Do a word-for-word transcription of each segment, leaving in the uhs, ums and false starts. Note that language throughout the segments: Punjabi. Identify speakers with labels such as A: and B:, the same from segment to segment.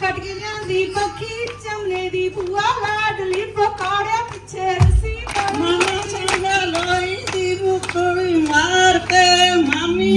A: ਕੱਟ ਕੇ ਲਿਆਂਦੀ ਪੱਖੀ ਚਮਨੇ ਦੀ ਭੂਆ ਲਾਡਲੀ ਪਕਾੜਿਆ ਪਿੱਛੇ ਰਸੀ
B: ਮਾਮਾ ਸੰਗਾ ਲੋਈ ਦੀ ਮੁਕੜੀ ਮਾਰ ਕੇ ਮਾਮੀ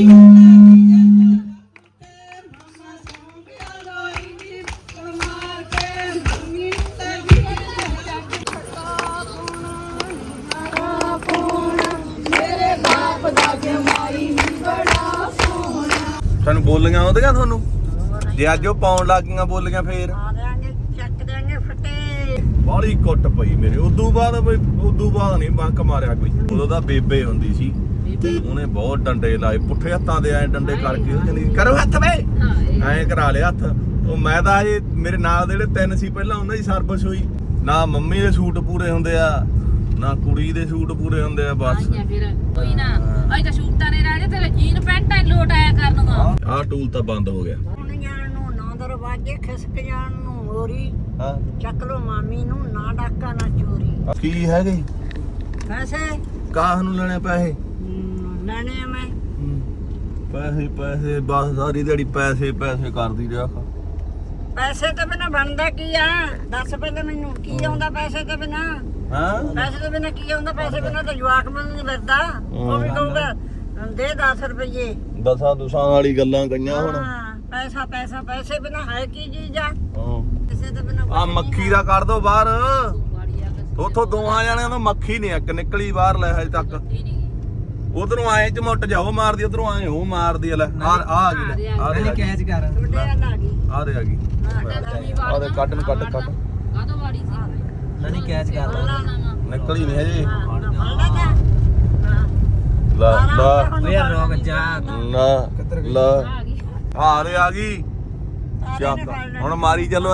C: ਸਾਨੂੰ ਬੋਲੀਆਂ ਆਉਂਦੀਆਂ ਤੁਹਾਨੂੰ ਜੇ ਅੱਜ ਉਹ ਪਾਉਣ ਲੱਗ ਗਈਆਂ ਬੋਲੀਆਂ ਫੇਰ
B: ਆ ਦੇਾਂਗੇ ਚੱਕ ਦੇਾਂਗੇ ਫਟੇ
C: ਬਾਹਲੀ ਕੁੱਟ ਪਈ ਮੇਰੇ ਉਦੋਂ ਬਾਅਦ ਬਈ ਉਦੋਂ ਬਾਅਦ ਨਹੀਂ ਬੰਕ ਮਾਰਿਆ ਕੋਈ ਉਦੋਂ ਤਾਂ ਬੇਬੇ ਹੁੰਦੀ ਸੀ ਉਹਨੇ ਬਹੁਤ ਡੰਡੇ ਲਾਏ ਪੁੱਠੇ ਹੱਥਾਂ ਦੇ ਐ ਡੰਡੇ ਕਰਕੇ ਉਹ ਕਹਿੰਦੀ ਕਰੋ ਹੱਥ ਵੇ ਐਂ ਕਰਾ ਲਿਆ ਹੱਥ ਉਹ ਮੈਂ ਤਾਂ ਇਹ ਮੇਰੇ ਨਾਲ ਦੇ ਜਿਹੜੇ ਤਿੰਨ ਸੀ ਪਹਿਲਾਂ ਉਹਨਾਂ ਦੀ ਸਰਵਿਸ ਹੋਈ ਨਾ ਮੰਮੀ ਦੇ ਸੂਟ ਪੂਰੇ ਹੁੰਦੇ ਆ ਨਾ ਕੁੜੀ ਦੇ ਸੂਟ ਪੂਰੇ ਹੁੰਦੇ ਆ ਬਸ
D: ਫਿਰ ਕੋਈ ਨਾ ਅਜ ਤਾਂ ਸੂਟਾਂ ਨੇ ਰਾਜੇ ਤੇਰੇ ਜੀਨ ਪੈਂਟਾਂ ਹੀ ਲੋਟ ਆਇਆ ਕਰਨਗਾ
C: ਆਹ ਟੂਲ ਤਾਂ ਬੰਦ ਹੋ ਗਿਆ
B: ਹੁਣ ਜਾਣ ਨੂੰ ਨਾ ਦਰਵਾਜ਼ੇ ਖਿਸਕ ਜਾਣ ਨੂੰ ਮੋਰੀ
C: ਹਾਂ
B: ਚੱਕ ਲੋ ਮਾਮੀ ਨੂੰ ਨਾ ਡਾਕਾ ਨਾ ਚੋਰੀ
C: ਕੀ ਹੈਗੇ
B: ਪੈਸੇ
C: ਕਾਹ ਨੂੰ ਲੈਣੇ ਪੈਸੇ
B: ਹਮ, ਲੈਣੇ ਆ ਮੈਂ
C: ਪੈਸੇ ਪੈਸੇ ਬਸ ਸਾਰੀ ਦਿਹਾੜੀ ਪੈਸੇ ਪੈਸੇ ਕਰਦੀ ਰਿਹਾ
B: ਪੈਸੇ ਤੋਂ ਬਿਨਾ ਬਣਦਾ ਕੀ ਆ ਦੱਸ ਪਹਿਲਾਂ ਮੈਨੂੰ ਕੀ ਆਉਂਦਾ ਪੈਸੇ ਤੋਂ ਬਿਨਾ
C: ਹਾਂ
B: ਪੈਸੇ ਤੋਂ ਬਿਨਾ ਕੀ ਆਉਂਦਾ ਪੈਸੇ ਬਿਨਾ ਤਾਂ ਜਵਾਕ ਮੈਨੂੰ ਨਹੀਂ ਮਿਲਦਾ ਉਹ ਵੀ ਕਹੂਗਾ ਦੇ ਦਸ ਰੁਪਏ
C: ਦਸਾਂ ਦੁਸਾਂ ਵਾਲੀ ਗੱਲਾਂ ਕਈਆਂ ਹੁਣ
B: ਹਾਂ ਪੈਸਾ ਪੈਸਾ ਪੈਸੇ ਬਿਨਾ ਹੈ ਕੀ ਚੀਜ਼ ਆ
C: ਹਾਂ
B: ਪੈਸੇ ਤੋਂ ਬਿਨਾ
C: ਆ ਮੱਖੀ ਦਾ ਕਰ ਦੋ ਬਾਹਰ ਉਥੋਂ ਦੋਹਾਂ ਜਣਿਆਂ ਤੋਂ ਮੱਖੀ ਨਹੀਂ ਇੱਕ ਨਿਕਲੀ ਬਾਹਰ ਲੈ ਹਜੇ ਤੱਕ ਉਧਰੋਂ ਆਏ ਚ ਮੁੱਟ ਜਾਓ ਮਾਰਦੀ ਉਧਰੋਂ ਆਏ ਉਹ ਮਾਰਦੀ ਲੈ ਆ ਆ ਗਈ ਲੈ ਆ ਦੇ
E: ਕੈਚ ਕਰ
B: ਤੁਹਾਡੇ ਵੱਲ ਆ ਗਈ
C: ਆ ਦੇ ਆ ਗਈ ਆ ਦੇ ਕੱਢ ਨੂੰ ਕੱਢ ਕੱਢ
D: ਕਾਹਦੋਂ ਵਾੜੀ ਸੀ
E: ਨਹੀਂ ਕੈਚ ਕਰ
C: ਨਿਕਲੀ ਨਹੀਂ ਹਜੇ
B: ਫੜਦਾ ਜਾ
C: ਲਾ ਲਾ
E: ਓਏ ਯਾਰ ਰੋਕ ਜਾ
C: ਨਾ ਲਾ ਆ ਦੇ ਆ ਗਈ ਚੱਕ ਹੁਣ ਮਾਰੀ ਚੱਲੋ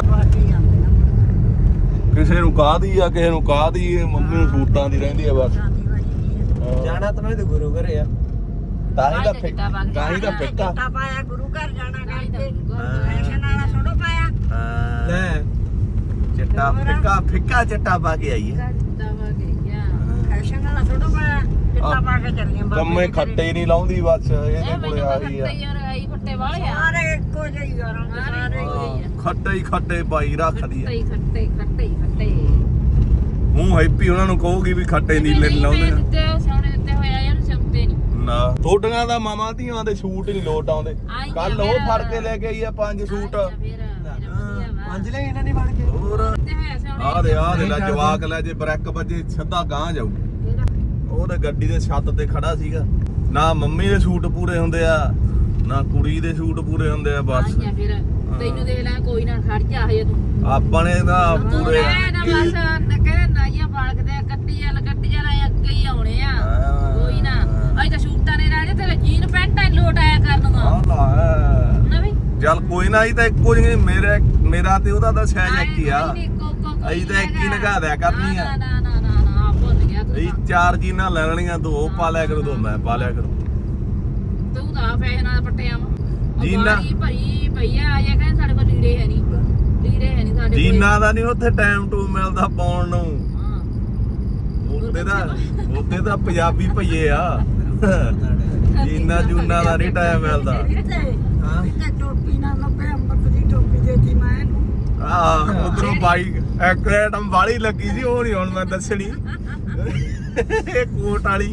C: ਕਿਸੇ ਨੂੰ ਕਾਹਦੀ ਆ ਕਿਸੇ ਨੂੰ ਕਾਹਦੀ ਇਹ ਮੰਮੀ ਨੂੰ ਸੂਟਾਂ ਦੀ ਰਹਿੰਦੀ ਆ ਬਸ
E: ਜਾਣਾ ਤਾਂ ਨਹੀਂ ਤੇ ਗੁਰੂ ਘਰੇ ਆ
C: ਤਾਂ ਹੀ ਤਾਂ ਫਿੱਕਾ ਤਾਂ ਹੀ ਤਾਂ ਫਿੱਕਾ
B: ਚਿੱਟਾ ਪਾਇਆ ਗੁਰੂ ਘਰ ਜਾਣਾ ਕਰਕੇ ਫੈਸ਼ਨ ਵਾਲਾ ਛੋੜੋ ਪਾਇਆ
C: ਹਾਂ,
E: ਲੈ
C: ਚਿੱਟਾ ਫਿੱਕਾ ਫਿੱਕਾ ਚਿੱਟਾ ਪਾ ਕੇ ਆਈ ਹੈ
B: ਫੈਸ਼ਨ ਵਾਲਾ ਛੋੜੋ ਪਾਇਆ ਚਿੱਟਾ ਪਾ ਕੇ ਚੱਲੀਆਂ
C: ਕੰਮੇ ਖੱਟੇ ਨਹੀਂ ਲਾਉਂਦੀ ਬਸ ਇਹਦੇ ਕੋਲੇ ਆ ਗਈ ਆ
D: ਖੱਟੇ ਵਾਲੇ ਆ
B: ਸਾਰੇ ਇੱਕੋ ਜਿਹੀ ਆ ਰੰਗ ਸਾਰੇ
C: ਹਾਂ, ਖੱਟੇ ਹੀ ਖੱਟੇ ਪਾਈ ਰੱਖਦੀ ਆ
D: ਖੱਟੇ ਖੱਟੇ ਖੱਟੇ
C: ਮੂੰਹ ਹੈਪੀ ਉਹਨਾਂ ਨੂੰ ਕਹੂਗੀ ਵੀ ਖੱਟੇ ਨੀਲੇ ਨੀ ਲਾਉਂਦੇ
D: ਦਿੱਤੇ ਸੋਹਣੇ ਦਿੱਤੇ ਹੋਇਆ ਯਾਰ ਸਿਮਤੇ ਨਹੀਂ
C: ਨਾ ਥੋਡੀਆਂ ਦਾ ਮਾਮਾ ਧੀਆਂ ਦੇ ਸੂਟ ਹੀ ਨੀ ਲੋਟ ਆਉਂਦੇ ਕੱਲ ਉਹ ਫੜ ਕੇ ਲੈ ਕੇ ਆਈ ਆ ਪੰਜ ਸੂਟ
E: ਪੰਜ ਲੈ ਇਹਨਾਂ ਨੇ ਫੜ ਕੇ
C: ਹੋਰ ਆ ਦੇ ਆ ਦੇ ਲੈ ਜਵਾਕ ਲੈ ਜੇ ਬ੍ਰੈਕ ਵੱਜੇ ਸਿੱਧਾ ਗਾਂ ਜਾਊ ਉਹ ਤੇ ਗੱਡੀ ਦੇ ਛੱਤ ਤੇ ਖੜਾ ਸੀਗਾ ਨਾ ਮੰਮੀ ਦੇ ਸੂਟ ਪੂਰੇ ਹੁੰਦੇ ਆ ਨਾ ਕੁੜੀ ਦੇ ਸੂਟ ਪੂਰੇ ਹੁੰਦੇ ਆ ਬਸ
D: ਫਿਰ ਤੈਨੂੰ ਦੇਖ ਲੈ ਕੋਈ ਨਾ ਖੜ ਜਾ ਹਜੇ ਤੂੰ
C: ਆਪਾਂ ਨੇ ਤਾਂ ਪੂਰੇ
D: ਨਾ ਬਸ ਕਹਿੰਦੇ ਨਾਈਆਂ ਬਾਲਕਦੇ ਕੱਟੀ ਵਾਲ ਕੱਟੀ ਵਾਲ ਆਏ ਅੱਗੇ ਹੀ ਆਉਣੇ ਆ ਕੋਈ ਨਾ ਅਜ ਤਾਂ ਸੂਟਾਂ ਨੇ ਰਾਜੇ ਤੇਰੇ ਜੀਨ ਪੈਂਟਾਂ ਹੀ ਲੋਟ ਆਇਆ ਕਰਨਗਾ
C: ਆ ਲਾ
D: ਨਾ ਵੀ
C: ਚੱਲ ਕੋਈ ਨਾ ਹੀ ਤਾਂ ਇੱਕੋ ਜਿਹੇ ਮੇਰੇ ਮੇਰਾ ਤੇ ਉਹਦਾ ਤਾਂ ਸਾਈਜ਼ ਇੱਕ ਹੀ ਆ ਅਸੀਂ ਤਾਂ ਇੱਕ ਹੀ ਨਗਾ ਦਿਆ ਕਰਨੀ ਆ
D: ਨਾ ਨਾ ਨਾ ਨਾ ਨਾ ਭੁੱਲ ਗਿਆ ਤੂੰ
C: ਅਸੀਂ ਚਾਰ ਜੀਨਾਂ ਲੈ ਲੈਣੀਆਂ ਦੋ ਉਹ ਪਾ ਲਿਆ ਕਰੋ ਦੋ ਮੈਂ ਪਾ ਲਿਆ ਕਰੋ
D: ਤੂੰ ਤਾਂ ਫੈਸ਼ਨ ਨਾਲ ਪੱਟਿਆ ਵਾ
C: ਜੀਨਾਂ?
D: ਭਰੀ ਭਈ ਆ ਆਇਆ ਕਹਿੰਦੇ ਸਾਡੇ ਕੋਲ ਲੀੜੇ ਹੈ ਨਹੀਂ ਲੀੜੇ ਹੈ ਨਹੀਂ ਸਾਡੇ ਕੋਲ
C: ਜੀਨਾਂ ਦਾ ਨਹੀਂ ਉੱਥੇ ਟਾਈਮ ਟੂ ਮਿਲਦਾ ਪਾਉਣ ਨੂੰ
D: ਹਾਂ
C: ਉੱਤੇ ਦਾ ਉੱਤੇ ਤਾਂ ਪੰਜਾਬੀ ਭਈਏ ਆ ਜੀਨਾਂ ਜੂਨਾਂ ਦਾ ਨਹੀਂ ਟਾਈਮ ਮਿਲਦਾ
E: ਹਾਂ
B: ਤੇ ਟੋਪੀ ਨਾਲ ਨੱਬੇ ਅੰਬਰ ਦੀ ਟੋਪੀ ਦੇਤੀ ਮੈਂ ਇਹਨੂੰ
C: ਆ ਉਧਰੋਂ ਬਾਈਕ ਇੱਕ ਆਈਟਮ ਵਾਲੀ ਲੱਗੀ ਸੀ ਉਹ ਨਹੀਂ ਹੁਣ ਮੈਂ ਦੱਸਣੀ ਇਹ ਕੋਟ ਵਾਲੀ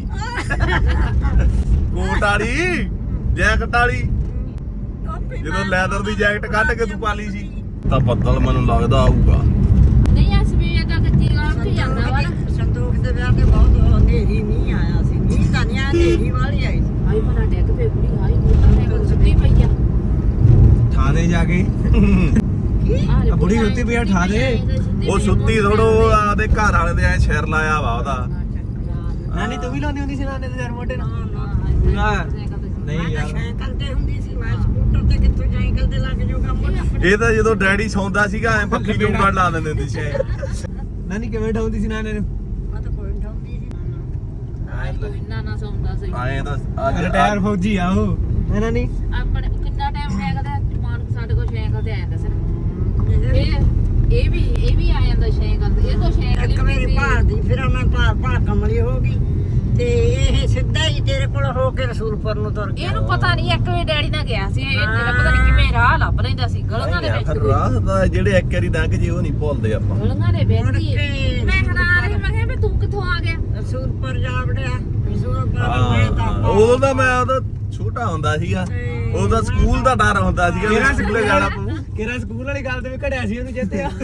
C: ਕੋਟ ਵਾਲੀ ਜੈਕਟ ਵਾਲੀ
B: ਟੋਪੀ
C: ਜਦੋਂ ਲੈਦਰ ਦੀ ਜੈਕਟ ਕੱਢ ਕੇ ਤੂੰ ਪਾ ਲਈ ਸੀ ਤਾਂ ਬੱਦਲ ਮੈਨੂੰ ਲੱਗਦਾ ਆਊਗਾ
D: ਨਹੀਂ ਅਸ ਵੀ ਇਹ ਤਾਂ ਕੱਚੀ ਗਾਂ ਤੇ ਜਾਂਦਾ ਵਾ
B: ਸੰਤੋਖ ਦੇ ਵਿਆਹ ਤੇ ਬਹੁਤ ਹਨੇਰੀ ਨਹੀਂ ਆਇਆ ਸੀ ਨਹੀਂ ਤਾਂ ਨਹੀਂ ਹਨੇਰੀ ਵਾਲੀ ਆਈ ਸੀ
D: ਆਈ ਭਲਾ ਡੈਕ ਪੇ ਕੁੜੀ ਆਈ ਮੋਟਾ ਨੇ ਕੋ ਸੁੱਤੀ ਪਈ ਆ
E: ਥਾਣੇ ਜਾ ਕੇ
D: ਆਹ
E: ਆ ਬੁੜੀ ਸੁੱਤੀ ਪਈ ਆ ਠਾ ਦੇ
C: ਉਹ ਸੁੱਤੀ ਥੋੜੋ ਆਦੇ ਘਰ ਵਾਲੇ ਦੇ ਐ ਸਿਰ ਲਾਇਆ ਵਾ ਉਹਦਾ
E: ਨਾਨੀ ਤੂੰ ਵੀ ਲਾਉਂਦੀ ਹੁੰਦੀ ਸੀ ਨਾਨੇ ਦੇ ਸਿਰ ਮੋਢੇ ਨਾਲ
D: ਨਾ
E: ਨਹੀਂ
B: ਮੈਂ
E: ਯਾਰ
B: ਸਾਈਕਲ ਤੇ ਹੁੰਦੀ ਸੀ ਮੈਂ ਸਕੂਟਰ ਤੇ ਕਿੱਥੋਂ ਸਾਈਕਲ ਤੇ ਲੱਗ ਜਾਊਗਾ ਮੋਟਾ
C: ਇਹ ਤਾਂ ਜਦੋਂ ਡੈਡੀ ਸੌਂਦਾ ਸੀਗਾ ਐ ਪੱਖੀ ਵੀ ਉਂਗਲ ਲਾ ਦਿੰਦੇ ਹੁੰਦੇ ਸੀ
E: ਨਾਨੀ ਕਿਵੇਂ ਢਾਉਂਦੀ ਸੀ ਨਾਨੇ ਨੂੰ
B: ਮੈਂ ਤਾਂ ਕੋਈ ਠਾਉਂਦੀ ਸੀ
D: ਕੋਈ ਇੰਨਾ ਨਾ ਸੌਂਦਾ ਸੀ
C: ਆਏ ਤਾਂ ਅੱਜ
E: ਰਿਟਾਇਰ ਫੌਜੀ ਆ ਉਹ ਹੈ ਨਾਨੀ
D: ਆਪਣੇ ਕਿੰਨਾ ਟਾਈਮ ਹੈਗਾ ਤੇ ਮਾਨ ਸਾਡੇ ਕੋਲ ਸਾਈਕਲ ਤੇ ਆਇਆ ਦੱਸ ਇਹ ਇਹ ਵੀ ਇਹ ਵੀ ਆ ਜਾਂਦਾ ਸਾਈਕਲ ਤੇ ਇਹ ਤੋਂ ਸਾਈਕਲ
B: ਇੱਕ ਮੇਰੀ ਭਾਲਦੀ ਫਿਰ ਮੈਂ ਭਾਲ ਭਾਲ ਕਮਲੀ ਹੋ ਗਈ ਤੇ ਇਹ ਸਿੱਧਾ ਹੀ ਤੇਰੇ ਕੋਲ ਹੋ ਕੇ ਰਸੂਲਪੁਰ ਨੂੰ ਤੁਰ ਗਿਆ
D: ਇਹਨੂੰ ਪਤਾ ਨਹੀਂ ਇੱਕ ਵੇ ਡੈਡੀ ਨਾਲ ਗਿਆ ਸੀ ਇਹ ਤੇਰਾ ਪਤਾ ਨਹੀਂ ਕਿਵੇਂ ਰਾਹ ਲੱਭ ਲੈਂਦਾ ਸੀ ਗਲੀਆਂ ਦੇ ਵਿੱਚ
C: ਰਾਹ ਦਾ ਜਿਹੜੇ ਇੱਕ ਵਾਰੀ ਲੰਘ ਜੇ ਉਹ ਨਹੀਂ ਭੁੱਲਦੇ ਆਪਾਂ।
D: ਗਲੀਆਂ ਦੇ ਵਿੱਚ ਹੀ
B: ਕੇ
D: ਮੈਂ ਹੈਰਾਨ ਰਹੀ, ਮੈਂ ਕਿਹਾ ਵੀ ਤੂੰ ਕਿੱਥੋਂ ਆ ਗਿਆ?
B: ਰਸੂਲਪੁਰ ਜਾ ਵੜਿਆ ਰਸੂਲਪੁਰ
C: ਹਾਂ ਉਦੋਂ ਤਾਂ ਮੈਂ ਉਦੋਂ ਛੋਟਾ ਹੁੰਦਾ ਸੀਗਾ, ਉਦੋਂ ਸਕੂਲ ਦਾ ਡਰ ਹੁੰਦਾ ਸੀਗਾ ਵੀ ਸਕੂਲੇ ਜਾਣਾ ਪਊ।
E: ਕਿਹੜਾ ਸਕੂਲ ਵਾਲੀ ਗੱਲ ਤੇ ਵੀ ਘੜਿਆ ਸੀ ਉਹਨੂੰ ਚੇਤੇ ਆ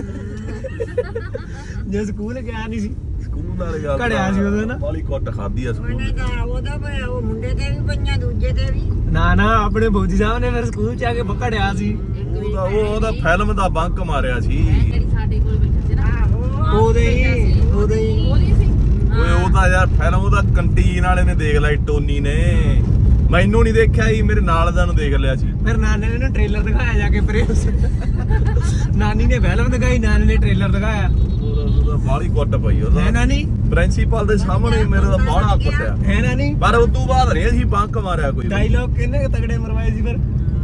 E: ਜੇ ਸਕੂਲ ਗਿਆ ਨਹੀਂ ਸੀ
C: ਸਕੂਲ ਵਾਲੀ ਗੱਲ
E: ਘੜਿਆ ਸੀ ਉਦੋਂ ਨਾ।
C: ਬਾਲੀ ਕੁੱਟ ਖਾਦੀ ਆ ਸਕੂਲ
B: ਉਹਨੇ ਤਾਂ ਉਹਦਾ ਵੀ ਉਹ ਮੁੰਡੇ ਤੇ ਵੀ ਪਈਆਂ ਦੂਜੇ ਤੇ ਵੀ।
E: ਨਾ ਨਾ ਆਪਣੇ ਬੋਜੀ ਸਾਹਿਬ ਨੇ ਫਿਰ ਸਕੂਲ ਚ ਆ ਕੇ ਘੜਿਆ ਸੀ।
C: ਉਹਦਾ ਉਹ ਉਹਦਾ ਫਿਲਮ ਦਾ ਬੰਕ ਮਾਰਿਆ ਸੀ।
D: ਜਿਹੜੀ ਸਾਡੇ ਕੋਲ ਬੈਠਾ ਸੀ ਨਾ
B: ਆਹੋ
E: ਉਹਦੇ ਹੀ ਉਹਦੇ ਹੀ
D: ਉਹਦੀ ਸੀ।
C: ਓਏ ਉਹ ਤਾਂ ਯਾਰ ਫਿਲਮ ਉਹਦਾ ਕੰਟੀਨ ਵਾਲੇ ਨੇ ਦੇਖ ਲਈ, ਟੋਨੀ ਨੇ। ਮੈਨੂੰ ਨਹੀਂ ਦੇਖਿਆ ਸੀ, ਮੇਰੇ ਨਾਲ ਦਾ ਨੂੰ ਦੇਖ ਲਿਆ ਸੀ।
E: ਫਿਰ ਨਾਨੇ ਨੇ ਨਾ ਟ੍ਰੇਲਰ ਦਿਖਾਇਆ ਜਾ ਕੇ ਪ੍ਰੇਸ ਨਾਨੀ ਨੇ ਫਿਲਮ ਦਿਖਾਈ, ਨਾਨੀ ਨੇ ਟ੍ਰੇਲਰ ਦਿਖਾਇਆ।
C: ਉਹਦਾ ਬਾਲੀ ਕੁੱਟ ਪਈ
E: ਹੈ
C: ਉਹਦਾ
E: ਨਾਨੀ
C: ਪ੍ਰਿੰਸੀਪਲ ਦੇ ਸਾਹਮਣੇ ਮੇਰੇ ਦਾ ਬਾਹਲਾ ਕੁੱਟਿਆ।
E: ਹੈ ਨਾਨੀ
C: ਪਰ ਉਸ ਤੋਂ ਬਾਅਦ ਨਹੀਂ ਅਸੀਂ ਬੰਕ ਮਾਰਿਆ ਕੋਈ।
E: ਡਾਇਲੌਗ ਕਿੰਨੇ ਕੁ ਤਗੜੇ ਮਰਵਾਏ ਸੀ ਫਿਰ।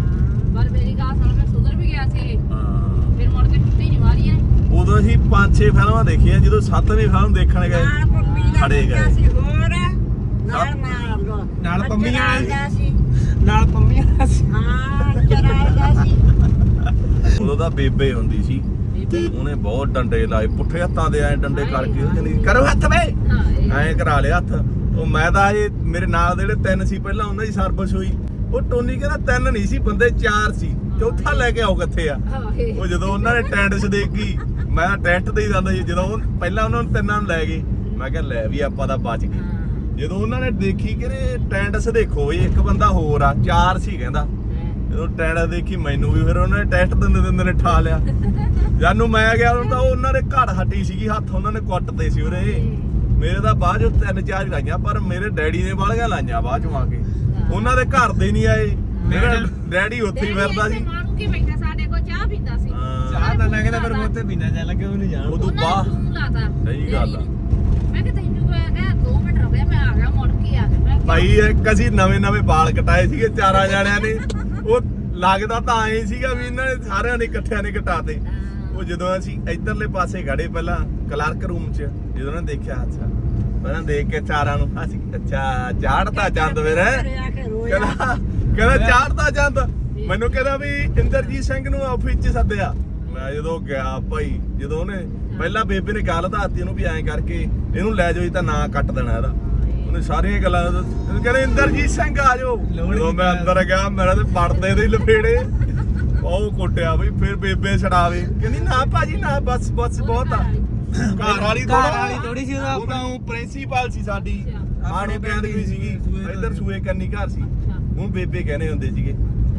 D: ਪਰ ਮੇਰੀ ਗੱਲ ਸੁਣ, ਮੈਂ ਸੁਧਰ ਵੀ ਗਿਆ ਸੀ,
C: ਹਾਂ
D: ਫਿਰ ਮੁੜ ਕੇ ਛੁੱਟੀ ਨਹੀਂ ਮਾਰੀ ਐ।
C: ਉਦੋਂ ਅਸੀਂ ਪੰਜ ਛੇ ਫਿਲਮਾਂ ਦੇਖੀਆਂ, ਜਦੋਂ ਸੱਤਵੀਂ ਫਿਲਮ ਦੇਖਣ ਗਏ
B: ਨਾਲ ਪੰਮੀ ਦਾ
C: ਖੜੇ ਗਏ।
B: ਮੁੰਡਾ ਸੀ ਹੋਰ ਨਾਲ ਮਾਰ
E: ਨਾਲ ਪੰਮੀਆਂ ਵਾਲਾ
B: ਦਾ ਸੀ।
E: ਨਾਲ ਪੰਮੀਆਂ ਵਾਲਾ ਸੀ।
B: ਹਾਂ ਚਰਾਲ ਦਾ ਸੀ।
C: ਉਦੋਂ ਤਾਂ ਬੇਬੇ ਹੁੰਦੀ ਸੀ, ਉਹਨੇ ਬਹੁਤ ਡੰਡੇ ਲਾਏ ਪੁੱਠੇ ਹੱਥਾਂ ਦੇ, ਐ ਡੰਡੇ ਕਰਕੇ ਉਹ ਕਹਿੰਦੀ ਕਰੋ ਹੱਥ ਵੇ,
D: ਹਾਂ ਇਹ
C: ਐਂ ਕਰਾ ਲਿਆ ਹੱਥ। ਉਹ ਮੈਂ ਤਾਂ ਇਹ ਮੇਰੇ ਨਾਲ ਦੇ ਜਿਹੜੇ ਤਿੰਨ ਸੀ ਪਹਿਲਾਂ ਉਹਨਾਂ ਦੀ ਸਰਵਿਸ ਹੋਈ। ਉਹ ਟੋਨੀ ਕਹਿੰਦਾ ਤਿੰਨ ਨਹੀਂ ਸੀ ਬੰਦੇ, ਚਾਰ ਸੀ, ਚੌਥਾ ਲੈ ਕੇ ਆਓ ਕਿੱਥੇ ਆ।
D: ਹਾਂ ਇਹ
C: ਉਹ ਜਦੋਂ ਉਹਨਾਂ ਨੇ ਟੈਂਟਸ ਦੇਖੀ, ਮੈਂ ਟੈਂਟ ਤੇ ਹੀ ਜਾਂਦਾ ਸੀ, ਜਦੋਂ ਉਹ ਪਹਿਲਾਂ ਉਹਨਾਂ ਨੂੰ ਤਿੰਨਾਂ ਨੂੰ ਲੈ ਗਏ, ਮੈਂ ਕਿਹਾ ਲੈ ਵੀ ਆਪਾਂ ਤਾਂ ਬਚ ਗਏ। ਜਦੋਂ ਉਹਨਾਂ ਨੇ ਦੇਖੀ ਕਿ ਟੈਂਟਸ ਦੇਖੋ ਵੀ ਇੱਕ ਬੰਦਾ ਹੋਰ ਆ, ਚਾਰ ਸੀ ਕਹਿੰਦਾ। ਜਦੋਂ ਟੈਂਟਸ ਦੇਖੀ ਮੈਨੂੰ ਵੀ, ਫਿਰ ਉਹਨਾਂ ਨੇ ਟੈਸਟ ਦਿੰਦੇ ਦਿੰਦੇ ਨੇ ਠਾ ਲਿਆ। ਜਾਨੂੰ ਮੈਂ ਗਿਆ ਉਦੋਂ ਤਾਂ ਉਹਨਾਂ ਦੇ ਘੜ ਹੱਟੀ ਸੀਗੀ, ਹੱਥ ਉਹਨਾਂ ਨੇ ਕੁੱਟਦੇ ਸੀ ਉਹਦੇ। ਮੇਰੇ ਤਾਂ ਬਾਅਦ ਚੋਂ ਤਿੰਨ ਚਾਰ ਹੀ ਲਾਈਆਂ, ਪਰ ਮੇਰੇ ਡੈਡੀ ਨੇ ਵਾਲੀਆਂ ਲਾਈਆਂ ਬਾਅਦ ਚੋਂ ਆ ਕੇ। ਉਹਨਾਂ ਦੇ ਘਰ ਦੇ ਨਹੀਂ ਆਏ, ਮੇਰਾ ਡੈਡੀ ਉੱਥੇ ਹੀ ਫਿਰਦਾ ਸੀ।
D: ਮਾਰੂ ਕੇ ਬੈਠਾ ਸਾਡੇ ਕੋਲ ਚਾਹ ਪੀਂਦਾ ਸੀ।
C: ਹਾਂ
E: ਚਾਹ ਤਾਂ ਲੱਗਦਾ ਪਰ ਮੋਤੇ ਪੀਣਾ ਜਾ ਲੱਗੇ ਉਹਨੂੰ ਜਾਣ।
C: ਉਦੋਂ ਬਾਅਦ
D: ਲਾਤਾ
C: ਸਹੀ ਗੱਲ ਆ।
D: ਮੈਂ ਕਿ ਤੈਨੂੰ ਕਿਹਾ ਦੋ ਮਿੰਟ ਰੁਕ ਜਾ, ਮੈਂ ਆ ਗਿਆ, ਮੁੜ ਕੇ ਆ ਗਿਆ। ਮੈਂ ਕਿਹਾ
C: ਭਾਈ ਇੱਕ ਅਸੀਂ ਨਵੇਂ ਨਵੇਂ ਵਾਲ ਕਟਾਏ ਸੀਗੇ ਚਾਰਾਂ ਜਾਣਿਆਂ ਨੇ। ਉਹ ਲੱਗਦਾ ਤਾਂ ਐਂ ਸੀਗਾ ਵੀ ਇਹਨਾਂ ਨੇ ਸਾਰਿਆਂ ਨੇ ਇਕੱਠਿਆਂ ਨੇ ਕਟਾਤੇ। ਉਹ ਜਦੋਂ ਅਸੀਂ ਇੱਧਰਲੇ ਪਾਸੇ ਖੜੇ ਪਹਿਲਾਂ ਕਲਰਕ ਰੂਮ 'ਚ, ਜਦੋਂ ਉਹਨੇ ਦੇਖਿਆ ਅੱਛਾ ਪਹਿਲਾਂ ਦੇਖ ਕੇ ਚਾਰਾਂ ਨੂੰ ਅਸੀਂ ਅੱਛਾ ਚਾੜਤਾ ਚੰਦ ਫਿਰ
B: ਆ ਕੇ ਰੋਇਆ।
C: ਕਹਿੰਦਾ ਕਹਿੰਦਾ ਚਾੜਤਾ ਚੰਦ। ਮੈਨੂੰ ਕਹਿੰਦਾ ਵੀ ਇੰਦਰਜੀਤ ਸਿੰਘ ਨੂੰ ਆਫਿਸ 'ਚ ਸੱਦਿਆ। ਮੈਂ ਜਦੋਂ ਗਿਆ ਭਾਈ, ਜਦੋਂ ਉਹਨੇ ਪਹਿਲਾਂ ਬੇਬੇ ਨੇ ਗੱਲ ਦੱਸਤੀ ਉਹਨੂੰ ਵੀ ਐਂ ਕਰਕੇ ਇਹਨੂੰ ਲੈ ਜਾਓ, ਇਹ ਤਾਂ ਨਾਂ ਕੱਟ ਦੇਣਾ ਇਹਦਾ। ਉਹਨੇ ਸਾਰੀਆਂ ਗੱਲਾਂ ਕਹਿੰਦੇ ਇੰਦਰਜੀਤ ਸਿੰਘ ਆ ਜਾਓ। ਜਦੋਂ ਮੈਂ ਅੰਦਰ ਗਿਆ ਮੇਰਾ ਤੇ ਪੜਦੇ ਦੇ ਲਫੇੜੇ ਉਹ ਕੁੱਟਿਆ ਬਈ। ਫਿਰ ਬੇਬੇ ਛਡਾਵੇ, ਕਹਿੰਦੀ ਨਾ ਭਾਜੀ ਨਾ, ਬਸ ਬਸ ਬਹੁਤ ਆ। ਘਰ ਵਾਲੀ
E: ਘਰ ਵਾਲੀ ਥੋੜੀ ਸੀ ਉਹਦਾ
C: ਉਹਦਾ ਉਹ ਪ੍ਰਿੰਸੀਪਲ ਸੀ ਸਾਡੀ, ਆਣੋ ਕਹਿੰਦੀ ਵੀ ਸੀਗੀ। ਇੱਧਰ ਸੂਏ ਕੰਨੀ ਘਰ ਸੀ, ਹੁਣ ਬੇਬੇ ਕਹਿੰਦੇ ਹੁੰਦੇ ਸੀਗੇ।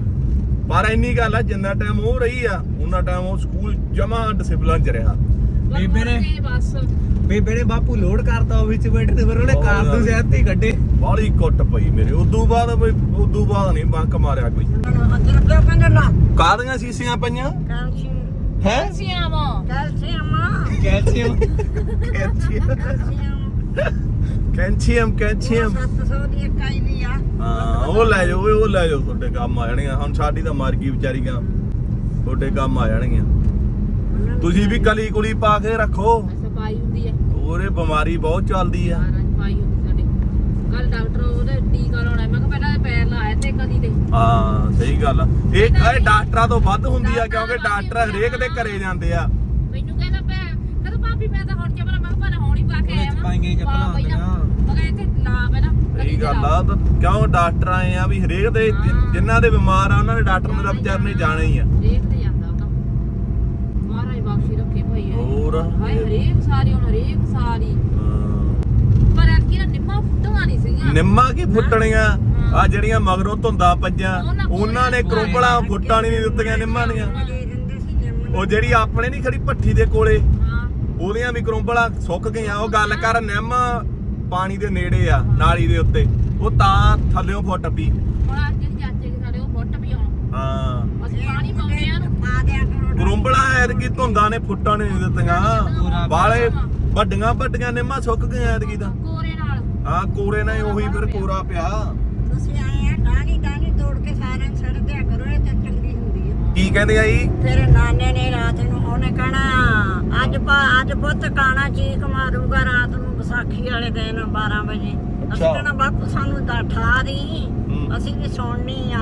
C: ਪਰ ਇੰਨੀ ਗੱਲ ਆ, ਜਿੰਨਾ ਟਾਈਮ ਉਹ ਰਹੀ ਆ ਉਹਨਾਂ ਟਾਈਮ ਉਹ ਸਕੂਲ ਜਮਾ ਡਿਸਪਲਿਨ ਚ ਰਿਹਾ।
E: ਬੇਬੇ ਨੇ
D: ਬਸ
E: ਬੇਬੇ ਨੇ ਬਾਪੂ ਲੋਡ ਕਰਤਾ ਉਹ ਵਿੱਚ ਬੈਠੇ ਤੇ ਫਿਰ ਉਹਨੇ ਕਾਰਤੂਸ ਸਿਹਤ ਹੀ ਕੱਢੇ।
C: ਬਾਲੀ ਕੁੱਟ ਪਈ ਮੇਰੇ। ਉਦੋਂ ਬਾਅਦ ਬਈ ਉਦੋਂ ਬਾਅਦ ਨਹੀਂ ਬੰਕ ਮਾਰਿਆ ਕੋਈ।
B: ਅੰਦਰ ਕਿਉਂ ਕਹਿੰਦੇ ਨਾ
C: ਕਾਹਦੀਆਂ ਸੀਸੀਆਂ ਪਈਆਂ
B: ਕੈਲਸ਼ੀਅਮ
C: ਹੈ?
D: ਸਿਆਵਾਂ
B: ਕੈਲਸ਼ੀਅਮ
E: ਕੈਲਸ਼ੀਅਮ
C: ਕੈਲਸ਼ੀਅਮ ਕੈਲਸ਼ੀਅਮ
B: ਸੱਤ ਸੌ ਦੀ ਇਕਾਈ ਵੀ ਆ।
C: ਹਾਂ ਉਹ ਲੈ ਜਾਓ ਓਏ, ਉਹ ਲੈ ਜਾਓ, ਤੁਹਾਡੇ ਕੰਮ ਆ ਜਾਣਗੀਆਂ। ਹੁਣ ਸਾਡੀ ਤਾਂ ਮਰ ਗਈ ਵਿਚਾਰੀਆਂ, ਤੁਹਾਡੇ ਕੰਮ ਆ ਜਾਣਗੀਆਂ। ਤੁਸੀਂ ਵੀ ਕਲੀ ਕੁਲੀ ਪਾ ਕੇ ਰੱਖੋ,
D: ਸਫਾਈ ਹੁੰਦੀ ਹੈ,
C: ਉਹਰੇ ਬਿਮਾਰੀ ਬਹੁਤ ਚੱਲਦੀ ਆ।
D: ਸਾਰਾ ਸਫਾਈ ਹੁੰਦੀ ਸਾਡੇ। ਕੱਲ ਡਾਕਟਰ ਉਹਦੇ ਟੀਕਾ ਲਾਉਣਾ, ਮੈਂ ਕਿਹਾ ਪਹਿਲਾਂ ਪੈਰ ਲਾਇਆ ਤੇ ਕਦੀ ਤੇ
C: ਹਾਂ ਸਹੀ ਗੱਲ ਆ। ਇਹ ਇਹ ਡਾਕਟਰਾਂ ਤੋਂ ਵੱਧ ਹੁੰਦੀ ਆ, ਕਿਉਂਕਿ ਡਾਕਟਰ ਹਰੇਕ ਦੇ ਘਰੇ ਜਾਂਦੇ ਆ।
D: ਮੈਨੂੰ ਕਹਿੰਦਾ ਪੈ ਕਹਿੰਦਾ ਭਾਬੀ ਮੈਂ ਤਾਂ ਹੁਣ ਚੱਪਲਾਂ, ਮੈਂ ਕਿਹਾ ਹੁਣ ਹੀ ਪਾ ਕੇ ਆਇਆ
E: ਉਹਦੇ ਚ ਪਾਈਆਂ ਹੀ ਚੱਪਲਾਂ
D: ਪਾ ਪਹਿਲਾਂ।
E: ਹੁੰਦੀਆਂ।
D: ਮੈਂ ਕਿਹਾ ਇੱਥੇ ਲਾ ਪਹਿਲਾਂ
C: ਸਹੀ ਗੱਲ ਆ। ਤਾਂ ਕਿਉਂ ਡਾਕਟਰ ਆਏ ਆ ਵੀ ਹਰੇਕ ਦੇ ਜਿ- ਜਿਨ੍ਹਾਂ ਦੇ ਬਿਮਾਰ ਆ ਉਹਨਾਂ ਦੇ ਡਾਕਟਰ ਨੇ ਤਾਂ ਵਿਚਾਰ ਨੇ ਜਾਣਾ ਹੀ ਆ।
D: ਦੇਖਦੇ ਜਾਂਦਾ ਉਹ ਤਾਂ ਮਹਾਰਾਜ ਬਖਸ਼ੀ ਰੱਖੇ ਭਾਈ।
C: ਹੋਰ
D: ਹਾਏ ਹਰੇਕ ਸਾਰੀ ਹੁਣ ਹਰੇਕ ਸਾਰੀ
C: ਹਾਂ।
D: ਪਰ ਐਤਕੀ ਨਾ ਨਿੰਮਾਂ ਫੁੱਟੀਆਂ ਨਹੀਂ ਸੀਗੀਆਂ।
C: ਨਿੰਮਾਂ ਕੀ ਫੁੱਟਣੀਆਂ ਆ, ਜਿਹੜੀਆਂ ਮਗਰੋਂ ਧੁੰਦਾਂ ਪਈਆਂ ਉਹਨਾਂ ਨੇ ਕਰੋਪਲਾਂ ਫੁੱਟਾਂ ਨਹੀਂ ਦਿੱਤੀਆਂ ਨਿੰਮਾਂ ਦੀਆਂ।
B: ਦੇ ਦਿੰਦੇ ਸੀ ਨਿੰਮ
C: ਉਹ ਜਿਹੜੀ ਆਪਣੇ ਨਹੀਂ ਖੜੀ ਭੱਠੀ ਦੇ ਕੋਲੇ,
D: ਹਾਂ
C: ਉਹਦੀਆਂ ਵੀ ਕਰੋਪਲਾਂ ਸੁੱਕ ਗਈਆਂ। ਉਹ ਗੱਲ ਕਰ ਨਿੰਮ ਪਾਣੀ ਦੇ ਨੇੜੇ ਆ, ਨਾਲੀ ਦੇ ਉੱਤੇ, ਉਹ ਤਾਂ ਥੱਲਿਓਂ ਫੁੱਟ ਪਈ।
D: ਹੁਣ ਅੱਜ ਜਿਹੜੀ ਚਾਚੇ ਦੇ ਸਾਡੇ ਉਹ ਫੁੱਟ ਵੀ ਆਉਣ।
C: ਹਾਂ
D: ਅਸੀਂ ਪਾਣੀ ਪਾਉਂਦੇ ਆ ਨੂੰ
B: ਪਾ ਦਿਆ ਕਰੋ।
C: ਕਰੋਪਲਾਂ ਐਤਕੀ ਧੁੰਦਾਂ ਨੇ ਫੁੱਟਾਂ ਨਹੀਂ ਦਿੱਤੀਆਂ। ਬਾਲੇ ਵੱਡੀਆਂ ਵੱਡੀਆਂ ਨਿੰਮਾਂ ਸੁੱਕ ਗਈਆਂ ਐਤਕੀ ਤਾਂ।
D: ਕੋਰੇ ਨਾਲ
C: ਹਾਂ ਕੋਰੇ ਨਾਲ ਉਹੀ ਫਿਰ ਕੋਰਾ ਪਿਆ।
B: ਤੁਸੀਂ ਆਏ ਆ ਡਾਣੀ ਡਾਣੀ ਤੋੜ ਕੇ ਸਾਰਿਆਂ ਨੂੰ ਛੱਡ ਦਿਆ ਕਰੋ, ਇਹ ਤਾਂ ਚੰਗੀ ਹੁੰਦੀ ਆ।
C: ਕੀ ਕਹਿੰਦੇ ਆ ਜੀ?
B: ਫਿਰ ਨਾਨੇ ਨੇ ਰਾਤ ਨੂੰ ਉਹਨੇ ਕਹਿਣਾ ਅੱਜ ਪਾ ਅੱਜ ਪੁੱਤ ਕਾਣਾ ਚੀਕ ਮਾਰੂਗਾ ਰਾਤ ਨੂੰ ਵਿਸਾਖੀ ਵਾਲੇ ਦਿਨ ਬਾਰਾਂ ਵਜੇ। ਅਸੀਂ
C: ਅੱਛਾ।
B: ਕਹਿਣਾ ਬਾਪੂ ਸਾਨੂੰ ਤਾਂ ਠਾ ਦੀ,
C: ਹੂੰ।
B: ਅਸੀਂ ਵੀ ਸੁਣਨੀ ਆ।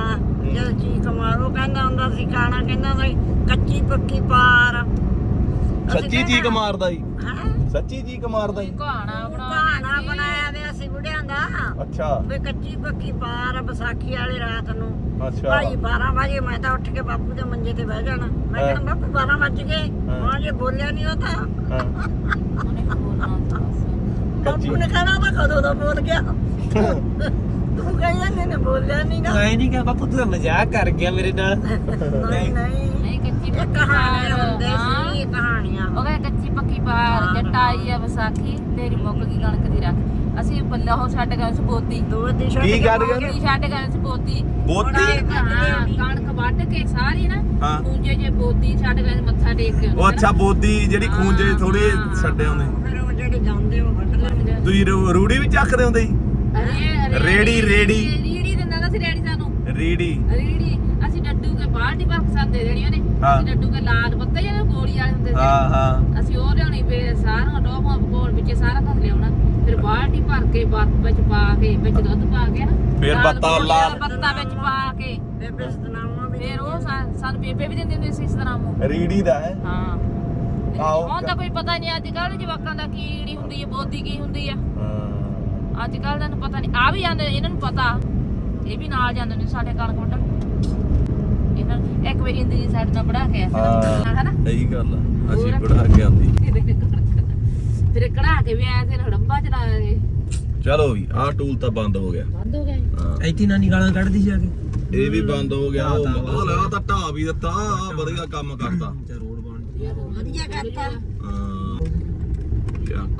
B: ਜਦ ਚੀਕ ਮਾਰੋ ਕਹਿੰਦਾ ਹੁੰਦਾ ਸੀ ਕਾਣਾ ਕਹਿੰਦਾ ਸੀ ਕੱਚੀ ਪੱਕੀ ਪਾਰ
C: ਸੱਚੀ ਚੀਕ ਮਾਰਦਾ ਜੀ
B: ਹਾਂ
C: ਸੱਚੀ ਚੀਕ ਮਾਰਦਾ ਜੀ
D: ਕਹਾਣਾ
B: ਕਹਾਣਾ ਬਣਾਇਆ ਵੇ ਅਸੀਂ ਬੁੜਿਆਂ ਦਾ
C: ਅੱਛਾ
B: ਵੇ ਕੱਚੀ ਪੱਕੀ ਪਾਰ ਵਿਸਾਖੀ ਵਾਲੀ ਰਾਤ ਨੂੰ
C: ਅੱਛਾ
B: ਭਾਈ ਬਾਰਾਂ ਵਜੇ ਮੈਂ ਤਾਂ ਉੱਠ ਕੇ ਬਾਪੂ ਦੇ ਮੰਜੇ ਤੇ ਬਹਿ ਜਾਣਾ ਮੈਂ
C: ਹਾਂ।
B: ਕਹਿੰਦਾ ਬਾਪੂ ਬਾਰਾਂ ਵੱਜ ਗਏ
C: ਹਾਂ।
B: ਹਾਂ ਜੇ ਬੋਲਿਆ ਨਹੀਂ ਉਹ ਤਾਂ
C: ਹਾਂ
D: ਉਹਨੇ ਬੋਲਣਾ ਬਸ।
C: ਕੱਚੀ
B: ਬਾਪੂ ਨੇ ਕਹਿਣਾ ਤਾਂ ਕਦੋਂ ਦਾ ਬੋਲ ਗਿਆ ਤੂੰ ਕਹਿੰਦਾ ਨੇ ਬੋਲਿਆ ਨਹੀਂ ਨਾ
E: ਮੈਂ ਨਹੀਂ ਕਿਹਾ ਬਾਪੂ ਤੂੰ ਤਾਂ ਮਜ਼ਾਕ ਕਰ ਗਿਆ ਮੇਰੇ ਨਾਲ
B: ਨਹੀਂ ਨਹੀਂ
D: ਨਹੀਂ ਕੱਚੀ
B: ਇਹ
D: ਪੱਕੀ
B: ਕਹਾਣੀਆਂ
D: ਪਾਰ
B: ਹੁੰਦੇ
D: ਹਾਂ।
B: ਸੀ ਇਹ ਕਹਾਣੀਆਂ
D: ਉਹ ਕਹਿੰਦਾ ਕੱਚੀ ਪੱਕੀ ਪਾਰ ਜੱਟ ਆਈ ਆ ਵਿਸਾਖੀ ਤੇਰੀ ਮੁੱਕ ਗਈ ਕਣਕ ਦੀ ਰੱਖ ਅਸੀਂ ਬੱਲਾ ਉਹ ਛੱਡ ਗਏ ਸੀ ਬੋਤੀ
B: ਦੋ ਦੀ ਛੱਡ
C: ਕੀ
B: ਕੇ
C: ਕਰ
B: ਬਾਹਰ
C: ਗਏ?
D: ਕੀ ਛੱਡ ਗਏ ਸੀ ਬੋਤੀ
C: ਬੋਤੀ
D: ਹਾਂ ਕਣਕ ਵੱਢ ਕੇ ਸਾਰੀ ਨਾ
C: ਹਾਂ।
D: ਖੂੰਜੇ ਜੇ ਬੋਤੀ ਛੱਡ ਗਏ ਸੀ, ਮੱਥਾ ਟੇਕ ਕੇ
C: ਉਹ ਅੱਛਾ ਬੋਦੀ ਜਿਹੜੀ ਖੂੰਜੇ ਥੋੜੇ ਛੱਡੇ ਹੁੰਦੇ
B: ਫਿਰ ਉਹ ਜਿਹੜੇ ਜਾਂਦੇ ਉਹ ਵੱਢ ਲੈਂਦੇ
C: ਤੁਸੀਂ ਰੂ- ਰੂੜੀ ਵੀ ਚੱਕਦੇ ਹੁੰਦੇ ਜੀ
D: ਅਰੇ
C: ਰੇੜੀ, ਰੇੜੀ।
D: ਰੇੜੀ ਦਿੰਦਾ ਨਾ ਸੀ ਰੇੜੀ ਸਾਨੂੰ
C: ਰੀੜੀ
D: ਰੀੜੀ ਅਸੀਂ ਡੱਡੂ ਕੇ ਬਾਲਟੀ ਭਰ ਕੇ ਸਾਨੂੰ ਦੇ ਦੇਣੀ ਉਹਨੇ
C: ਹਾਂ।
D: ਅਸੀਂ ਡੱਡੂ ਕੇ ਲਾਲ ਪੱਤੇ ਜਿਹੜੇ ਗੋਲੀ ਵਾਲੇ ਹੁੰਦੇ ਸੀ
C: ਹਾਂ ਹਾਂ
D: ਅਸੀਂ ਉਹ ਲਿਆਉਣੀ ਫੇਰ ਸਾਰਾ ਟੋਪਾਂ ਕੋਲ ਵਿੱਚ ਸਾਰਾ ਕੁਝ ਲਿਆਉਣਾ ਫਿਰ ਬਾਲਟੀ ਭਰ ਕੇ ਬੱਤ ਵਿੱਚ ਪਾ ਕੇ ਵਿੱਚ ਦੁੱਧ ਪਾ ਕੇ ਨਾ
C: ਫਿਰ
D: ਲਾਲ
C: ਬੱਤਾ
D: ਪਕੌੜੇ
C: ਲਾਲ।
D: ਵਾਲਾ ਬੱਤਾ ਵਿੱਚ ਪਾ ਕੇ
B: ਬੇਬੇ ਸਤਨਾਮਾ ਵੀ
D: ਫਿਰ ਉਹ ਸਾ- ਸਾਨੂੰ ਬੇਬੇ ਵੀ ਦਿੰਦੇ ਹੁੰਦੇ ਸੀ ਇਸ ਤਰ੍ਹਾਂ ਨੂੰ
C: ਰੀੜੀ ਦਾ ਹੈ
D: ਹਾਂ
C: ਆਹੋ।
D: ਹੁਣ ਤਾਂ ਕੋਈ ਪਤਾ ਨਹੀਂ ਅੱਜ ਕੱਲ੍ਹ ਜਵਾਕਾਂ ਦਾ ਕੀ ਈੜੀ ਹੁੰਦੀ ਹੈ ਬੋਦੀ ਕੀ ਹੁੰਦੀ ਆ
C: ਹਾਂ।
D: ਅੱਜ ਕੱਲ੍ਹ ਦਾ ਨੂੰ ਪਤਾ ਨਹੀਂ ਆ ਵੀ ਜਾਂਦੇ ਇਹਨਾਂ ਨੂੰ ਪਤਾ ਇਹ ਵੀ ਨਾਲ ਜਾਂਦੇ ਨੇ ਸਾਡੇ ਕਣਕ ਵੱਢਣ ਇਹਨਾਂ ਨੂੰ ਇੱਕ ਵਾਰੀ ਇੰਦੀ ਜੀ ਸਾਡੇ ਨਾਲ ਬੜਾ ਕੇ ਆਇਆ
C: ਹਾਂ
D: ਹਨਾ
C: ਸਹੀ ਗੱਲ ਆ ਅਸੀਂ ਬੜਾ ਕੇ ਆਂਦੀ
D: ਫਿਰ ਕਢਾ ਕੇ ਵੀ ਆਇਆ ਫਿਰ ਹੜੰਬਾ ਚਲਾਇਆ ਇਹ
C: ਚਲੋ ਵੀ ਆਹ ਟੂਲ ਤਾਂ ਬੰਦ ਹੋ ਗਿਆ
D: ਬੰਦ ਹੋ ਗਿਆ
C: ਹਾਂ
E: ਇੱਥੇ ਨਾਨੀ ਗਾਲਾਂ ਕੱਢਦੀ ਸੀ ਆ ਕੇ
C: ਇਹ ਵੀ ਬੰਦ ਹੋ ਗਿਆ ਉਹ
E: ਢਾਹ ਤਾਂ
C: ਲਾ ਤਾਂ ਢਾਹ ਵੀ ਦਿੱਤਾ ਆਹ ਵਧੀਆ ਕੰਮ ਕਰਤਾ
E: ਤੇ ਰੋਡ ਬਣ
B: ਵਧੀਆ ਕਰਤਾ
C: ਹਾਂ ਚੱਕ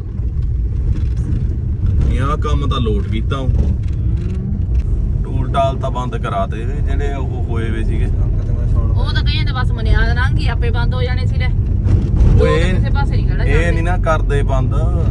C: ਇਹ ਕੰਮ ਤਾਂ ਲੋਟ ਕੀਤਾ ਉਹ ਟੂਲ ਟਾਲ ਤਾਂ ਬੰਦ ਕਰਾਤੇ ਜਿਹੜੇ ਉਹ ਹੋਏ ਵੇ ਸੀਗੇ
D: ਉਹ ਤਾਂ ਕਹਿੰਦੇ ਬਸ ਮਨਿਆਦ ਲੰਘੀ ਆਪੇ ਬੰਦ ਹੋ ਜਾਣੇ ਸੀ ਲੈ
C: ਓਏ
D: ਕਿਸੇ ਪਾਸੇ ਨਹੀਂ ਖੜਾ
C: ਇਹ ਨਹੀਂ ਨਾ ਕਰਦੇ ਬੰਦ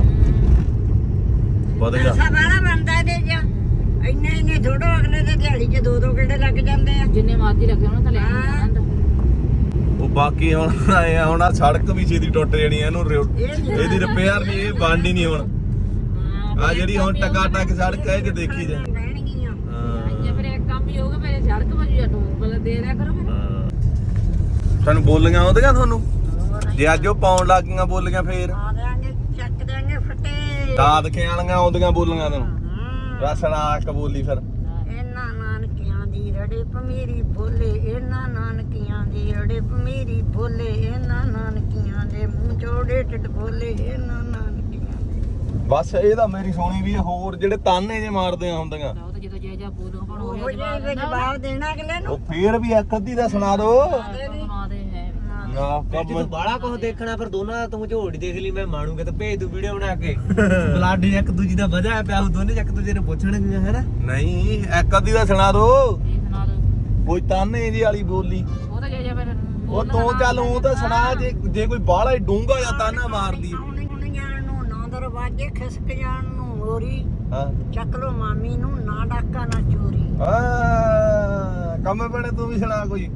C: ਵਧੀਆ
B: ਪੈਸਾ ਵਾਲਾ ਬਣਦਾ ਇਹਦੇ ਚ ਇੰਨੇ ਇੰਨੇ ਥੋੜੋ ਅਗਲੇ ਦੇ ਦਿਹਾੜੀ ਚ ਦੋ ਦੋ ਕਿਹੜੇ ਲੱਗ ਜਾਂਦੇ ਆ
D: ਜਿੰਨੇ ਮਰਜ਼ੀ ਲੱਗੇ ਉਹਨਾਂ ਤਾਂ ਲੈ ਕੇ ਜਾਣਾ ਹੁੰਦਾ
C: ਉਹ ਬਾਕੀ ਹੁਣ ਆਏ ਆ ਹੁਣ ਆਹ ਸੜਕ ਵੀ ਛੇਤੀ ਟੁੱਟ ਜਾਣੀ ਆ, ਇਹਨੂੰ ਰਿਓ- ਇਹਦੀ ਰਿਪੇਅਰ ਨਹੀਂ ਇਹ ਬਣਨੀ ਨਹੀਂ ਹੁਣ ਆ ਜਿਹੜੀ ਹੁਣ ਟਕਾ ਟਕ ਸੜਕ ਹੈ ਜੇ ਦੇਖੀ ਜਾ
B: ਰਹਿਣਗੀਆਂ
C: ਹਾਂ
D: ਜੇ ਫਿਰ ਇੱਕ ਕੰਮ ਹੀ ਹੋਊਗਾ ਮੇਰੇ ਸੜਕ ਵਜੂ ਜਾਂ ਟੋਲ ਬਲ ਦੇ ਰਿਆ ਕਰੋ ਫਿਰ
C: ਹਾਂ। ਤੁਹਾਨੂੰ ਬੋਲੀਆਂ ਆਉਂਦੀਆਂ ਤੁਹਾਨੂੰ ਜੇ ਅੱਜ ਉਹ ਪਾਉਣ ਲੱਗ ਗਈਆਂ ਬੋਲੀਆਂ ਫੇਰ
B: ਆ ਦੇਾਂਗੇ ਚੱਕ ਦੇਾਂਗੇ ਫਟੇ
C: ਦਾਦਕੇ ਵਾਲੀਆਂ ਆਉਂਦੀਆਂ ਬੋਲੀਆਂ ਤੈਨੂੰ
B: ਹਮ,
C: ਰਸਣਾ ਕਬੂਲੀ ਫਿਰ
B: ਇਹਨਾਂ ਨਾਨਕੀਆਂ ਦੀ ਰੜੇ ਪਮੀਰੀ ਬੋਲੇ ਇਹਨਾਂ ਨਾਨਕੀਆਂ ਦੀ ਰੜੇ ਪਮੀਰੀ ਬੋਲੇ ਇਹਨਾਂ ਨਾਨਕੀਆਂ ਦੇ ਮੂੰਹ ਚੋੜੇ ਟਿੱਡ ਬੋਲੇ ਇਹਨਾਂ ਨਾਨਕੀਆਂ ਦੇ
C: ਬਸ ਇਹ ਤਾਂ ਮੇਰੀ ਸੋਣੀ ਵੀ ਆ, ਹੋਰ ਜਿਹੜੇ ਤਾਨੇ ਜੇ ਮਾਰਦੀਆਂ ਹੁੰਦੀਆਂ
D: ਉਹ ਤਾਂ ਜਦੋਂ ਜੇ ਜਾ ਬੋਲੋ ਹੁਣ
B: ਉਹ
D: ਉਹ
B: ਜਿਹੇ ਵਿੱਚ ਜਵਾਬ ਦੇਣਾ ਅਗਲੇ ਨੂੰ
C: ਉਹ ਫੇਰ ਵੀ ਇੱਕ ਅੱਧੀ ਦਾ ਸੁਣਾ ਦੋ
D: ਬਣਾ ਦੇ ਹੈ
C: ਨਾ
E: ਜੇ
C: ਕੰਮ
E: ਤੂੰ ਬਾਹਲਾ ਕੁਝ ਦੇਖਣਾ ਫਿਰ ਦੋਨਾਂ ਦਾ ਤੂੰ ਝੋੜੀ ਦੇਖ ਲਈ ਮੈਂ ਮਾਣੂਗਾ ਤੇ ਭੇਜ ਦੂ ਵੀਡੀਓ ਬਣਾ ਕੇ ਬਲੱਡ ਇੱਕ ਦੂਜੀ ਦਾ ਵਧਿਆ ਪਿਆ ਉਹ ਦੋਨੇ ਇੱਕ ਦੂਜੇ ਨੂੰ ਪੁੱਛਣਗੀਆਂ ਹੈਨਾ
C: ਨਹੀਂ ਇੱਕ ਅੱਧੀ ਦਾ ਸੁਣਾ ਦੋ
D: ਇਹ ਸੁਣਾ ਦੋ
C: ਕੋਈ ਤਾਨੇ ਜੀ ਵਾਲੀ ਬੋਲੀ
D: ਉਹ ਤਾਂ ਜੇ ਜਾ ਫਿਰ
C: ਉਹ ਤੂੰ ਚੱਲ ਉਹ ਤਾਂ ਸੁਣਾ ਜੇ ਜੇ ਕੋਈ ਬਾਹਲਾ ਹੀ ਡੂੰਗਾ ਜਾਂ ਤਾਨਾ ਮਾਰਦੀ
B: ਆਉਣੀ ਜਾਣ ਨੂੰ ਨਾ ਦਰਵਾਜ਼ੇ ਖਿਸਕ ਜਾਣ ਨੂੰ ਮੋਰੀ
C: ਹਾਂ
B: ਚੱਕ ਲੋ ਮਾਮੀ ਨੂੰ ਨਾ ਡਾਕਾ ਨਾ ਚੋਰੀ
C: ਆ ਕੰਮ ਬਣੇ ਤੂੰ ਵੀ ਸੁਣਾ ਕੋਈ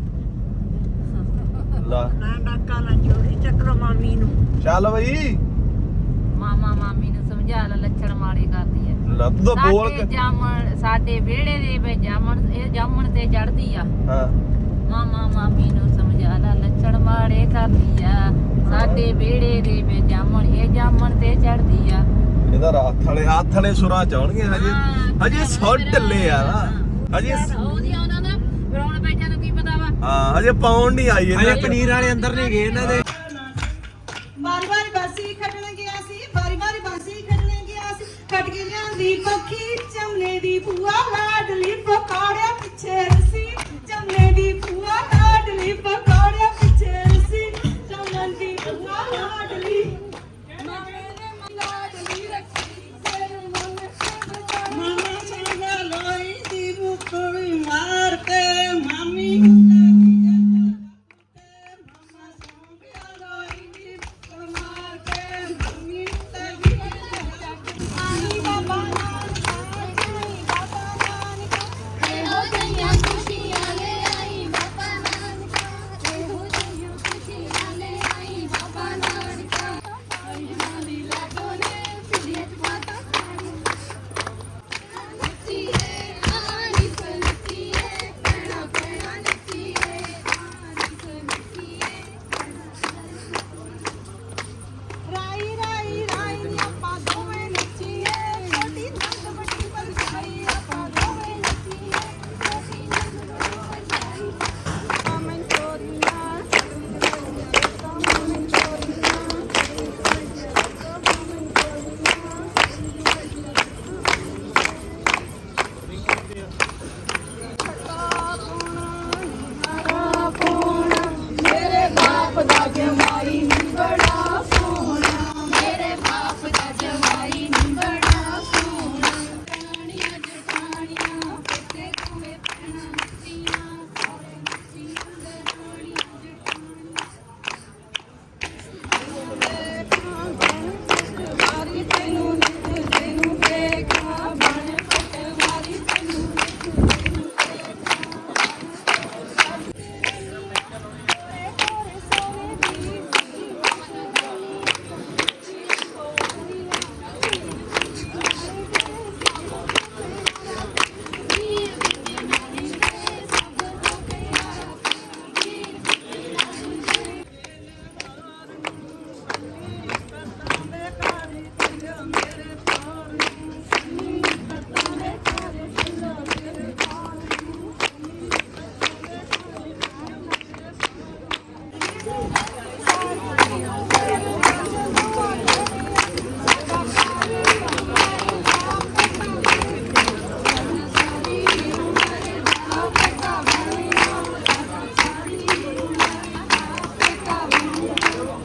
C: ਲਾ
B: ਨਾ ਡਾਕਾ ਨਾ ਚੋਰੀ ਚੱਕ ਲੋ ਮਾਮੀ ਨੂੰ
C: ਚੱਲ ਬਈ
D: ਮਾਮਾ ਮਾਮੀ ਨੂੰ ਸਮਝਾ ਲੈ ਲੱਛਣ ਮਾੜੇ ਕਰਦੀ ਹੈ
C: ਲਾ ਤੂੰ ਤਾਂ ਬੋਲ
D: ਸਾਡੇ
C: ਕੇ
D: ਜਾਮਣ ਸਾਡੇ ਵਿਹੜੇ ਦੇ ਵਿੱਚ ਜਾਮਣ ਇਹ ਜਾਮਣ ਤੇ ਚੜਦੀ ਆ
C: ਹਾਂ
D: ਮਾਮਾ ਮਾਮੀ ਨੂੰ ਸਮਝਾ ਲੈ ਲੱਛਣ ਮਾੜੇ ਕਰਦੀ ਆ ਸਾਡੇ ਵਿਹੜੇ ਦੇ ਵਿੱਚ ਜਾਮਣ ਇਹ ਜਾਮਣ ਤੇ ਚੜਦੀ ਆ
C: ਇਹਦਾ ਰਾਤ ਵਾਲੇ ਹੱਥ ਵਾਲੇ ਸੁਰਾਂ ਚਾਉਣਗੇ ਹਜੇ
D: ਹਾਂ,
C: ਹਜੇ ਸੁਰ ਢਿੱਲੇ ਆ ਨਾ ਹਜੇ
D: ਉਹਦੀ ਆਉਂਦਾ ਨਾ ਫਿਰ ਹੁਣ ਬੈਠਿਆਂ ਨੂੰ ਕੀ ਪਤਾ ਵਾ
C: ਹਾਂ ਹਜੇ ਪਾਉਣ ਨਹੀਂ ਆਈ
E: ਅਜੇ
C: ਇਹਨਾਂ
E: ਪਨੀਰ ਵਾਲੇ ਅੰਦਰ ਨਹੀਂ ਗਏ ਇਹਨਾਂ ਦੇ
A: ਵਾਰੀ ਵਾਰੀ ਬਾਸੀ ਖੱਟਣ ਗਿਆ ਸੀ ਵਾਰੀ ਵਾਰੀ ਬਾਸੀ ਖੱਟਣ ਗਿਆ ਸੀ ਖੱਟ ਕੇ ਲਿਆਂਦੀ ਪੱਖੀ ਚਮਨੇ ਦੀ ਭੂਆ ਲਾਡਲੀ ਪਕਾੜਿਆ ਪਿੱਛੇ ਰਸੀ ਚਮਨੇ ਦੀ ਭੂਆ ਲਾਡਲੀ